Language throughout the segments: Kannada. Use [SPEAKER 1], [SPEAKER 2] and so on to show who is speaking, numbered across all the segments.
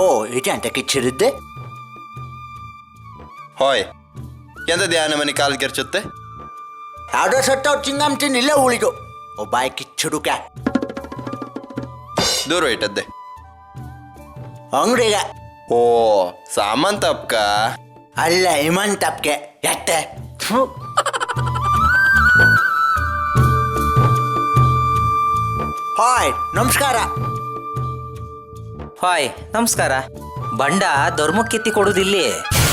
[SPEAKER 1] ಹೋ ಇದೆ ಅಂತ ಕಿಚ್ಚಿರುತ್ತೆ.
[SPEAKER 2] ಹೋಯ್ ಎಂತ ಧ್ಯಾನ ಮನೆ ಕಾಲು ಕೆರ್ಚುತ್ತೆ.
[SPEAKER 1] ಯಾವುದೋ ಸತ್ತವ್ ಚಿಂಗಮ್ ತಿನ್ ಇಲ್ಲೇ ಉಳಿದು ಒಬ್ಬ ಕಿಚ್ಚುಡುಕ
[SPEAKER 2] ದೂರ ಇಟ್ಟದ್ದೆ
[SPEAKER 1] ಅಂಗಡಿಗೆ.
[SPEAKER 2] ಓ ಸಾಮಂತ ಅಪ್ಕ
[SPEAKER 1] ಅಲ್ಲ ಹಿಮಂತ್ ಅಪ್ಕೆ ಎತ್ತೆ. ಹಾಯ್ ನಮಸ್ಕಾರ.
[SPEAKER 3] ಹಾಯ್ ನಮಸ್ಕಾರ. ಬಂಡ ಧರ್ಮಕ್ಕೆತ್ತಿ ಕೊಡುದಿಲ್ಲಿ.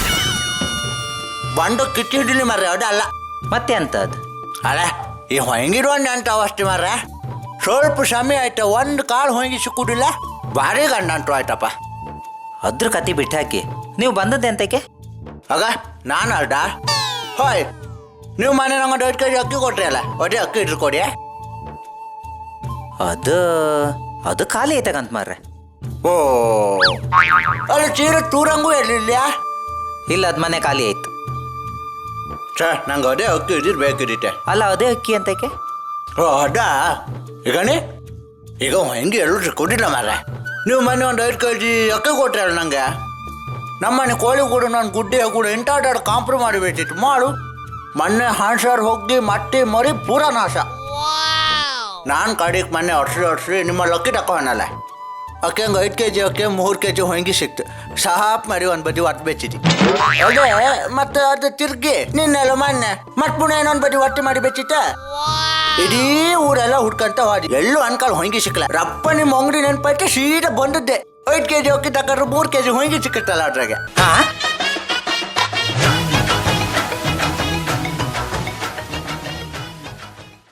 [SPEAKER 1] ಬಂಡು ಕಿಚ್ಚಿಡಿಲಿ ಮರ್ರೆ ಅದಲ್ಲ.
[SPEAKER 3] ಮತ್ತೆ ಅಂತದ್
[SPEAKER 1] ಅಲ್ಲ ಈ ಹೊಂಗಿರೋಣ ಅಂತ ಅವಷ್ಟೇ ಮರ್ರೆ. ಸ್ವಲ್ಪ ಸಮಯ ಆಯ್ತು ಒಂದು ಕಾಳು ಹೊಂಗಿ ಸಿಕ್ಕುದಿಲ್ಲ. ಭಾರಿ ಗಂಡ ಅಂಟು ಆಯ್ತಪ್ಪ.
[SPEAKER 3] ಅದ್ರ ಕತಿ ಬಿಟ್ಟಾಕಿ ನೀವು ಬಂದದ್ದೆ ಅಂತಕ್ಕೆ.
[SPEAKER 1] ಆಗ ನಾನು ಅಲ್ಡ. ಹಾಯ್ ನೀವು ಮನೆ ನಂಗೆ 2 kg ಅಕ್ಕಿ ಕೊಟ್ರಿ ಅಲ್ಲ, ಒದೇ ಅಕ್ಕಿ ಇಟ್ರು ಕೊಡಿ.
[SPEAKER 3] ಅದು ಖಾಲಿ ಐತಕಂತ ಮಾರ್ರೆ.
[SPEAKER 1] ಓ ಅಲ್ಲಿ ಚೀರ ತೂರಂಗೂ ಇರಲಿಲ್ಲ.
[SPEAKER 3] ಇಲ್ಲ ಅದ್ ಮನೆ ಖಾಲಿ ಆಯ್ತು.
[SPEAKER 1] ಸರ್ ನಂಗೆ ಅದೇ ಅಕ್ಕಿ ಇದ್ದಿದ್ದು ಬೇಕಿರುತ್ತೆ.
[SPEAKER 3] ಅಲ್ಲ ಅದೇ ಅಕ್ಕಿ ಅಂತಕ್ಕೆ.
[SPEAKER 1] ಓ ಅದ ಈಗನೇ ಈಗ ಹೆಂಗೆ ಎಲ್ಲರೂ ಕೊಟ್ಟಿಲ್ಲ ಮಾರ್ರೆ. ನೀವು ಮೊನ್ನೆ ಒಂದು 5 kg ಅಕ್ಕಿ ಕೊಟ್ರಿ ಅಲ್ಲ ನಂಗೆ. ನಮ್ಮನೆ ಕೋಳಿ ಕೂಡ ನಾನು ಗುಡ್ಡೆ ಕೂಡ ಎಂಟಾಟಾಡು ಕಾಂಪ್ರಮೈಸ್ ಮಾಡಿಬಿಟ್ಟಿತ್ತು ಮಾಡು. ಮೊನ್ನೆ ಹಾಣ್ಸಾರು ಹೋಗಿ ಮಟ್ಟಿ ಮರಿ ಪೂರ ನಾಶ. ನಾನು ಕಡೆಗೆ ಮೊನ್ನೆ ಹೊಡ್ಸಿ ನಿಮ್ಮ ಲಕ್ಕಿ ತಕೊಂಡಲ್ಲ. ಅಕ್ಕಿ ಹಂಗೆ 5 kg ಅಕ್ಕಿ 3 kg ಹೊಂಗಿ ಸಿಕ್ತು. ಸಾಪ್ ಮರಿ ಒಂದು ಬದಿ ಒಟ್ಟು ಬೆಚ್ಚಿದ್ದಿ. ಅದೇ ಮತ್ತೆ ಅದು ತಿರ್ಗಿ ನಿನ್ನೆಲ್ಲ ಮೊನ್ನೆ ಮತ್ತೆ ಪುನಃ ಇನ್ನೊಂದು ಬದಿ ಒಟ್ಟು ಮಾಡಿ ಬೆಚ್ಚಿತ್ತ. ಇಡೀ ಊರೆಲ್ಲ ಹುಡ್ಕಂತ ಹೋದಿ, ಎಲ್ಲೂ ಅನ್ಕಾಲ್ ಹೊಂಗಿ ಸಿಕ್ಕಲ್ಲ. ರಪ್ಪ ನಿಮ್ಮ ಅಂಗಡಿ ನೆನಪೈತೆ ಸೀದಾ ಬಂದದ್ದೆ. 5 kg ಅಕ್ಕಿ ತಕೊಂಡ್ರೆ 3 kg ಹೊಂಗಿ ಸಿಕ್ಕತ್ತಲ್ಲ ಅದ್ರಾಗೆ.